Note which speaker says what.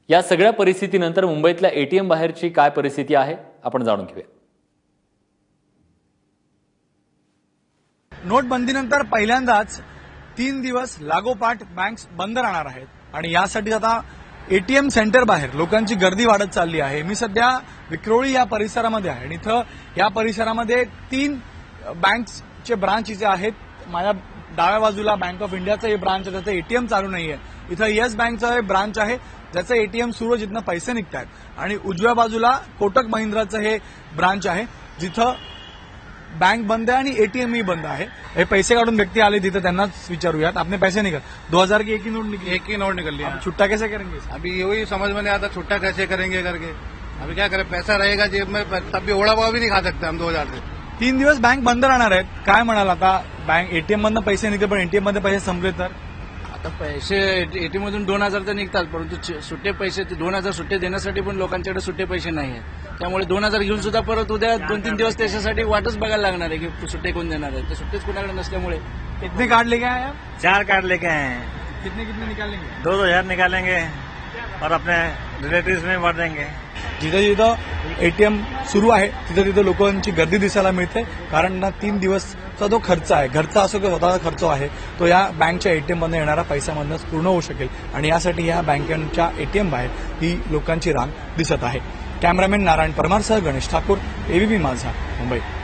Speaker 1: या सगळ्या परिस्थितीनंतर मुंबईतल्या एटीएम बाहेरची काय परिस्थिती आहे आपण जाणून घेऊया।
Speaker 2: नोटबंदीनंतर पहिल्यांदाच 3 दिवस लागोपाठ बँक्स बंद राहणार आहेत आणि यासाठी आता एटीएम सेंटर बाहेर लोकांची गर्दी वाढत चालली आहे। मी सध्या विक्रोळी या परिसरामध्ये आहे आणि इथं या परिसरामध्ये 3 बँक्सचे ब्रांच इथे आहेत। माझ्या डाव्या बाजूला बँक ऑफ इंडियाचं हे ब्रांच आहे, त्याचं एटीएम चालू नाहीये। इथं येस बँकचं हे ब्रांच आहे ज्याचं एटीएम सुरू आहे, जिथनं पैसे निघतात आणि उजव्या बाजूला कोटक महिंद्राचं हे ब्रांच आहे जिथं बैंक बंद है और एटीएम ही बंद है। ये पैसे काढून व्यक्ति आले थे त्यांनाच विचारूयात, आपने पैसे निकल 2000 की एक ही नोट निकली?
Speaker 3: एक ही नोट निकल लिया।
Speaker 2: छुट्टा कैसे करेंगे?
Speaker 3: अभी वही समझ में नहीं आता छुट्टा कैसे करेंगे करके। अभी क्या करें, पैसा रहेगा जेब में तब भी ओढ़ा पाव भी नहीं खा सकते हम 2000 से।
Speaker 2: 3 दिवस बैंक बंद राहणार आहेत, काय म्हणाल आता? बैंक एटीएम मधनं पैसे निघते पण एटीएम मध्ये पैसे संपले तर
Speaker 4: आता पैसे एटीएम मधून 2000 तर निघतात, परंतु सुट्टे पैसे 2000 सुट्टे देण्यासाठी पण लोकांच्याकडे सुट्टे पैसे नाही आहेत। त्यामुळे 2000 घेऊन सुद्धा परत उद्या 2-3 दिवस त्याच्यासाठी वाटच बघायला लागणार आहे की सुट्टे कोण देणार आहे। ते सुट्टेच कोणाकडे नसल्यामुळे
Speaker 2: कितने कार्ड लेके आए आप?
Speaker 5: 4 कार्ड लेके आए हैं।
Speaker 2: कितने कितने निकालेंगे?
Speaker 5: 2,000 निकालेंगे और अपने रिलेटिव्स में बांट देंगे।
Speaker 2: जिथं जिथं एटीएम सुरू आहे तिथं तिथं लोकांची गर्दी दिसायला मिळते, कारण ना 3 दिवसचा जो खर्च आहे, घरचा असो किंवा स्वतःचा खर्च आहे, तो या बँकच्या एटीएम मधून येणारा पैशामधूनच पूर्ण होऊ शकेल आणि यासाठी या बँकांच्या एटीएम बाहेर ही लोकांची रांग दिसत आहे। कॅमेरामॅन नारायण परमारसह गणेश ठाकूर, एबीपी माझा, मुंबई।